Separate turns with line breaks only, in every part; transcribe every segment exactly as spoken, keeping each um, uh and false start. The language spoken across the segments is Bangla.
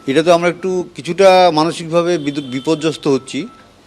এটা তো আমরা একটু কিছুটা মানসিকভাবে বিদ- বিপর্যস্ত হচ্ছি।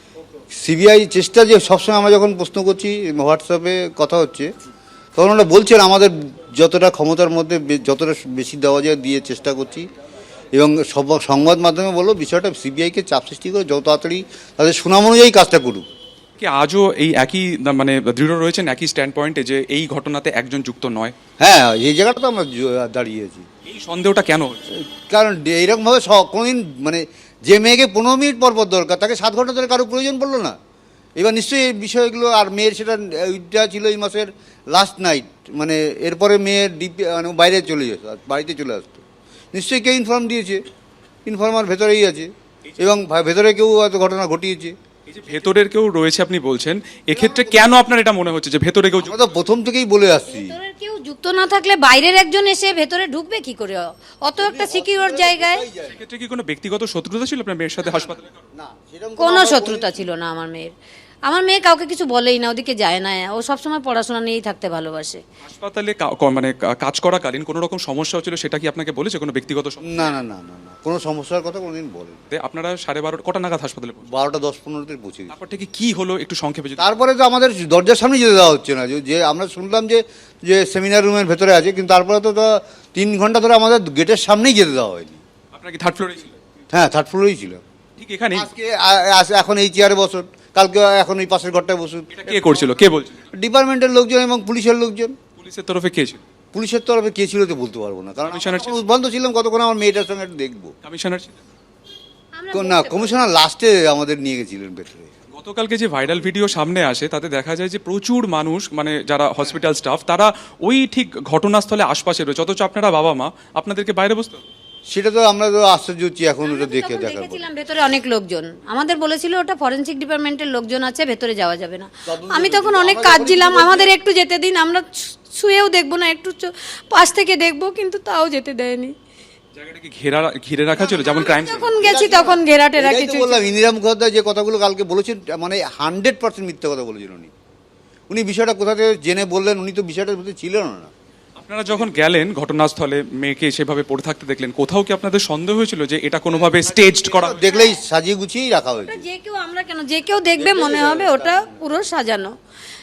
সিবিআই চেষ্টা যে সবসময় আমরা যখন প্রশ্ন করছি, হোয়াটসঅ্যাপে কথা হচ্ছে, তখন ওরা বলছেন আমাদের যতটা ক্ষমতার মধ্যে বে- যতটা বেশি দেওয়া যায় দিয়ে চেষ্টা করছি, এবং সব সংবাদ মাধ্যমে বললো বিষয়টা সিবিআইকে চাপ সৃষ্টি করে যত তাড়াতাড়ি তাদের সুনাম অনুযায়ী কাজটা করুক।
কি আজও এই একই না, মানে দৃঢ় রয়েছেন একই স্ট্যান্ড পয়েন্টে যে এই ঘটনাতে একজন যুক্ত নয়?
হ্যাঁ, এই জায়গাটা তো আমরা জ- দাঁড়িয়েছি।
এই সন্দেহটা কেন হচ্ছে?
কারণ এইরকমভাবে স- কোনোদিন মানে যে মেয়েকে পনেরো মিনিট পর পর দরকার তাকে সাত ঘন্টা ধরে কারো প্রয়োজন পড়লো না। এবার নিশ্চয়ই এই বিষয়গুলো, আর মেয়ের সেটা ওইটা ছিল এই মাসের লাস্ট নাইট, মানে এরপরে মেয়ের ডিপি মানে বাইরে চলে যেত, আর বাড়িতে চলে আসতো। নিশ্চয়ই কেউ ইনফর্ম দিয়েছে, ইনফর্মার ভেতরেই আছে, এবং ভা- ভেতরে কেউ হয়তো ঘটনা ঘটিয়েছে।
এই যে ভেতরের কেউ রয়েছে আপনি বলছেন, এক্ষেত্রে কেন আপনার এটা মনে হচ্ছে যে ভেতরে কেউ যুক্ত?
আমরা তো প্রথম থেকেই বলে আসছি।
ভেতরের কেউ যুক্ত না থাকলে বাইরের একজন এসে ভেতরে ঢুকবে কি করে অত একটা সিকিউর জায়গায়?
সেক্ষেত্রে কি কোনো ব্যক্তিগত শত্রুতা ছিল আপনার মেয়ের সাথে হাসপাতালে?
না, সেরকম
কোনো
আমরা
শত্রুতা ছিল না আমার মেয়ের। আমার মেয়ে কাউকে কিছু বলেই না, ওদিকে যায় না, ও সবসময় পড়াশোনা নিয়েই থাকতে ভালোবাসে।
হাসপাতালে কা- ক- মানে কা- কাজ করাকালীন কোনো রকম সমস্যা হচ্ছিল সেটা কি আপনাকে বলেছে কোনো ব্যক্তিগত সমস্যা?
না না না না না কোনো সমস্যার কথা কোনোদিন বলেন।
আপনারা সাড়ে বারোটা কটা নাগাদ হাসপাতালে পৌঁছলেন?
বারোটা দশ পনেরোতে পৌঁছে গেছি।
তারপর থেকে কি হলো একটু সংক্ষেপে যদি।
তারপরে তো আমাদের দরজার সামনে যেতে দেওয়া হচ্ছে না, যে- যে আমরা শুনলাম যে যে সেমিনার রুমের ভেতরে আছে, কিন্তু তারপরে তো তো তিন ঘন্টা ধরে আমাদের গেটের সামনেই যেতে দেওয়া হয়নি।
আপনার কি থার্ড ফ্লোরে ছিল?
হ্যাঁ, থার্ড ফ্লোরেই ছিল।
ঠিক এখানে
আজকে আ- আজ- এখন এই চেয়ারে বসুন, কালকে এখন এই পাশের ঘরটায় বসুন।
এটা কে করছিল, কে বলছিল?
ডিপার্টমেন্টের লোকজন এবং পুলিশের লোকজন।
পুলিশের তরফে কে ছিল?
পুলিশের তরফে কে ছিল তো বলতে পারবো না, কারণ
কমিশনার ছিল?
বন্ধ ছিলাম কতক্ষণ, আমার মেয়েটার সঙ্গে একটু দেখবো।
কমিশনার ছিল?
আমরা
না,
বলতে
কমিশনার লাস্টে আমাদের নিয়ে গেছিলেন ভেতরে।
গতকালকে যে ভাইরাল ভিডিও সামনে আসে তাতে দেখা যায় যে প্রচুর মানুষ, মানে যারা হসপিটাল স্টাফ, তারা ওই ঠিক ঘটনাস্থলে আশপাশে রয়েছে, অথচ আপনারা বাবা মা আপনাদেরকে বাইরে বসতে হবে।
সেটা তো আমরা তো আশ্চর্য হচ্ছি এখন ওটা
আমরা তো
দেখে
তখন
দেখার পর।
দেখেছিলাম ভেতরে অনেক লোকজন, আমাদের বলেছিল ওটা ফরেনসিক ডিপার্টমেন্টের লোকজন আছে, ভেতরে যাওয়া যাবে না। আমি তখন অনেক কাঁদছিলাম, আমাদের একটু যেতে দিন, আমরা ছু- ছুঁয়েও দেখবো না, একটু চ- পাশ থেকে দেখবো, কিন্তু তাও যেতে দেয়নি।
জায়গাটাকে ঘেরা ঘিরে রাখা ছিল যেমন ক্রাইম।
যখন গেছি তখন ঘেরা টেরা
এটাই তো
কিছু
বললাম, ইন্দিরা মুখোপাধ্যায় যে কথাগুলো কালকে বলেছেন, মানে হান্ড্রেড পার্সেন্ট মিথ্যে কথা বলেছেন উনি। উনি বিষয়টা কোথা থেকে জেনে বললেন, উনি তো বিষয়টার মধ্যে ছিলেন না।
আপনারা যখন গেলেন ঘটনাস্থলে, মেয়েকে সেভাবে পড়ে থাকতে দেখলেন, কোথাও কি আপনাদের সন্দেহ হয়েছিল যে এটা কোনোভাবে স্টেজড করা?
দেখলেই সাজিয়ে গুছিয়েই রাখা হয়েছে।
যে কেউ, আমরা কেন, যে কেউ দেখবে মনে হবে ওটা পুরো সাজানো,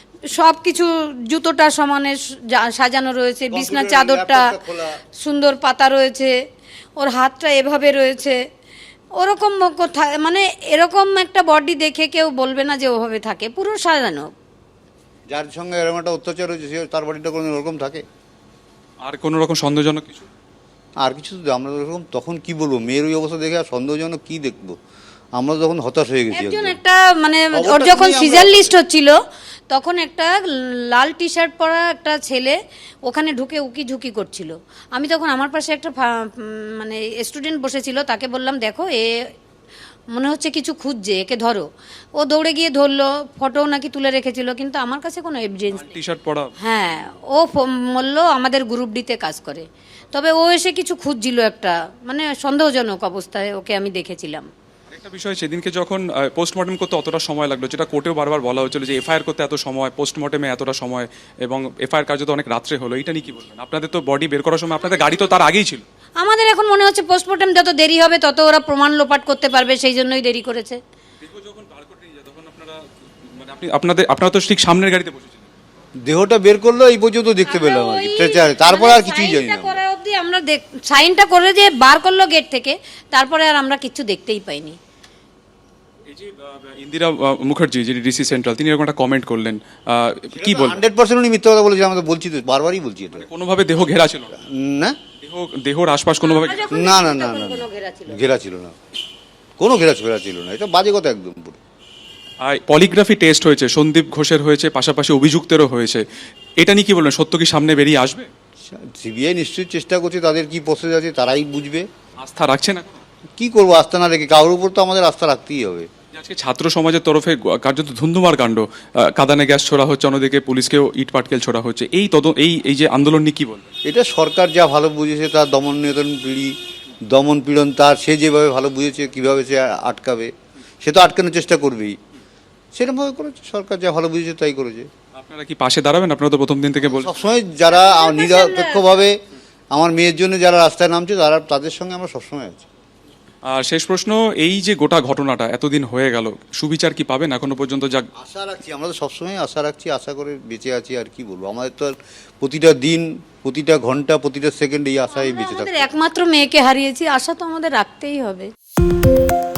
সব কিছু জুতোটা সমানে সা- সাজানো রয়েছে, বিছনা
কম্পিউটার,
চাদরটা
ল্যাপটপটা খোলা।
সুন্দর পাতা রয়েছে, ওর হাতটা এভাবে রয়েছে, ওরকম কোথায়, মানে এরকম একটা বডি দেখে কেউ বলবে না যে ওভাবে থাকে, পুরো সাজানো।
যার সঙ্গে এরকম একটা অত্যাচার হয়েছে সে তার বাড়িটা কোনো ওরকম থাকে।
আর কোনো রকম সন্দেহজনক কিছু?
আর কিছু তো আমরা ওরকম তখন কি বলবো, মেয়ের ওই অবস্থা দেখে আর সন্দেহজনক কি দেখবো, আমরা তখন হতাশ হয়ে গেছি
একজন
একদম।
একটা মানে
খবরটা
ওর যখন
শুনেই আমরা-
সিজার লিস্ট হচ্ছিল তখন একটা লাল টি শার্ট পরা একটা ছেলে ওখানে ঢুকে উকি ঝুঁকি করছিল। আমি তখন আমার পাশে একটা ফা- উম, মানে স্টুডেন্ট বসেছিল, তাকে বললাম দেখো এ মনে হচ্ছে কিছু খুঁজছে, একে ধরো। ও দৌড়ে গিয়ে ধরলো, ফটো নাকি তুলে রেখেছিল, কিন্তু আমার কাছে কোনো এভিডেন্স নেই।
টি শার্ট পরা?
হ্যাঁ, ও বলল আমাদের গ্রুপ ডিতে কাজ করে, তবে ও এসে কিছু খুঁজছিল একটা, মানে সন্দেহজনক অবস্থায় ওকে আমি দেখেছিলাম।
একটা বিষয়, সেদিনকে যখন পোস্টমর্টম করতে অতটা সময় লাগলো, যেটা কোর্টেও বারবার বলা হয়েছিল যে এফআইআর করতে এত সময়, পোস্টমর্টমে এতটা সময়, এবং এফআইআর কার্য তো অনেক রাত্রে হলো, এটা নিয়ে কি বলবেন? আপনাদের তো বডি বের করার সময় আপনাদের গাড়ি তো তার আগেই ছিল।
আমাদের এখন মনে হচ্ছে পোস্টমর্টম যত দেরি হবে তত ওরা প্রমাণ লোপাট করতে পারবে, সেই জন্যই দেরি করেছে।
যখন বার করে নিয়ে যায় তখন আপনারা, মানে আপনি আপনাদের আপনারা তো ঠিক সামনের গাড়িতে বসেছিলেন।
দেহটা বের করলো এই পর্যন্ত দেখতে পেলাম আর কি, স্ট্রেচারে, তারপর আর কিছুই জানি না।
সাইনটা করা অবধি আমরা দেখ- সাইনটা করে যে বার করলো গেট থেকে, তারপরে আর আমরা কিচ্ছু দেখতেই পাইনি।
এই যে আহ, ইন্দিরা আহ, মুখার্জি, যিনি ডিসি সেন্ট্রাল, তিনি এরকম একটা কমেন্ট করলেন, আহ, কি বল?
হান্ড্রেড পার্সেন্ট উনি মিথ্যা কথা বলেছে, আমরা তো বলছি তো, বারবারই বলছি এটা।
কোনোভাবে দেহ ঘেরা ছিল না?
না
দেহ দেহর আশপাশ কোনোভাবে
আমরা যখন
না না
দেখেছি
না
তখন
না
কোনো ঘেরা ছিল না।
ঘেরা ছিল না, কোনো ঘেরা ফেরা ছিল না, এটা বাজে কথা একদম পুরো।
পলিগ্রাফি টেস্ট হয়েছে, সন্দীপ ঘোষের হয়েছে, পাশাপাশি অভিযুক্তেরও হয়েছে, এটা নিয়ে কি বলবেন? সত্য কি সামনে বেরিয়ে আসবে?
সিবিআই নিশ্চয়ই চেষ্টা করছে, তাদের কি প্রসেস আছে তারাই বুঝবে।
আস্থা রাখছে না?
কি করবো, আস্থা না রেখে কারোর উপর তো আমাদের আস্থা রাখতেই হবে।
আজকে ছাত্র সমাজের তরফে গ- কার্যত ধুন্ধুমার কাণ্ড, আহ, কাঁদানে গ্যাস ছোড়া হচ্ছে, অন্যদিকে পুলিশকেও ইট পাটকেল ছোড়া হচ্ছে, এই তদ এই এই যে আন্দোলন নিয়ে কি বলবেন?
এটা সরকার যা ভালো বুঝেছে, তার দমন নিয়ন্ত্রণ পিড়ি দমন পীড়ন তার সে যেভাবে ভালো বুঝেছে কীভাবে সে আটকাবে, সে তো আটকানোর চেষ্টা করবেই, সেরকমভাবে করেছে সরকার, যা ভালো বুঝেছে তাই করেছে।
আপনারা কি পাশে দাঁড়াবেন? আপনারা তো প্রথম দিন থেকে বলছেন।
সবসময় যারা নিরপেক্ষভাবে আমার মেয়ের জন্য যারা রাস্তায় নামছে তারা, তাদের সঙ্গে আমরা সবসময় আছি।
আর শেষ প্রশ্ন, এই যে গোটা ঘটনাটা এতদিন হয়ে গেল, সুবিচার কি পাবেন এখনো পর্যন্ত? যা
আশা রাখছি, আমরা তো সবসময় আশা রাখছি, আশা করে বেঁচে আছি। আর কি বলবো, আমাদের তো আর প্রতিটা দিন, প্রতিটা ঘন্টা, প্রতিটা সেকেন্ড এই আশায় বেঁচে
আমাদের
থাকতে
একমাত্র মেয়েকে হারিয়েছি, আশা তো আমাদের রাখতেই হবে।